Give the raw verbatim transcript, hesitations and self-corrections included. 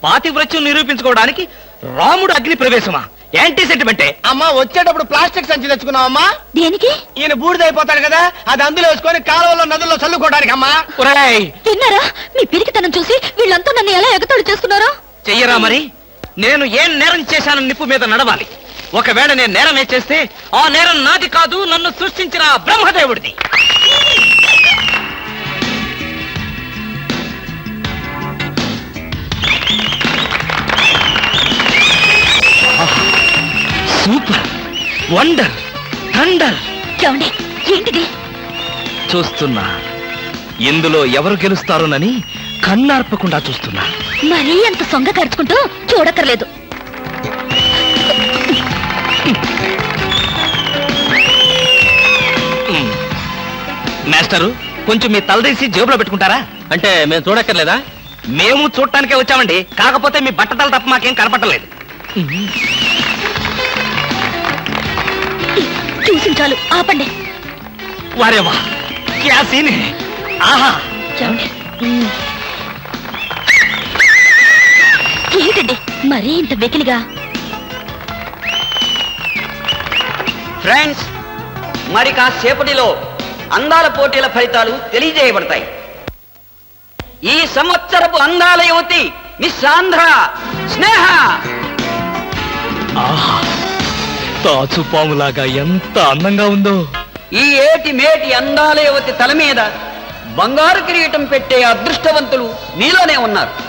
పాతివ్రత్యం నిరూపించుకోవడానికి రాముడు అగ్ని ప్రవేశమా? యాంటీ సెంటిమెంటే. అమ్మా వచ్చేటప్పుడు ప్లాస్టిక్ సంచి తెచ్చుకున్నావమ్మా. దేనికి? ఈయన బూడిదైపోతాడు కదా, అది అందులో వేసుకొని కాలువలో నదుల్లో చల్లుకోవడానికి అమ్మా. విన్నారా? మీ పిరికితనం చూసి వీళ్ళంతా నన్ను ఎలా ఎగతాళి చేస్తున్నారో. చెయ్యరా మరి. నేను ఏం నేరం చేశానని నిప్పు మీద నడవాలి. ఒకవేళ నేను నేరమే చేస్తే ఆ నేరం నాది కాదు, నన్ను సృష్టించిన బ్రహ్మదేవుడిది. Super, wonder, thunder. చూడండి, ఏంటిది? చూస్తున్నా. ఇందులో ఎవరు గెలుస్తారోనని కన్నార్పకుండా చూస్తున్నా. మరీ అంత సొంగ ఖర్చుకుంటూ చూడక్కర్లేదు. మాస్టరు, కొంచెం మీ తలదీసి జేబులో పెట్టుకుంటారా? అంటే మేము చూడక్కర్లేదా? మేము చూడటానికే వచ్చామండి. కాకపోతే మీ బట్టతల తప్ప మాకేం కనపట్టలేదు. చూసి చాలు, ఆపండి. వారేవా, క్యా సీన్ హై. ఆహా, ఏంటండి మరీ ఇంత వెకిలిగా? ఫ్రెండ్స్, మరి కాసేపటిలో అందాల పోటీల ఫలితాలు తెలియజేయబడతాయి. ఈ సంవత్సరపు అందాల యువతి మిస్ ఆంధ్ర స్నేహ. ఆహా, తాచుపాములాగా ఎంత అందంగా ఉందో. ఈ ఏటి మేటి అందాల యువతి తల మీద బంగారు కిరీటం పెట్టే అదృష్టవంతులు మీలోనే ఉన్నారు.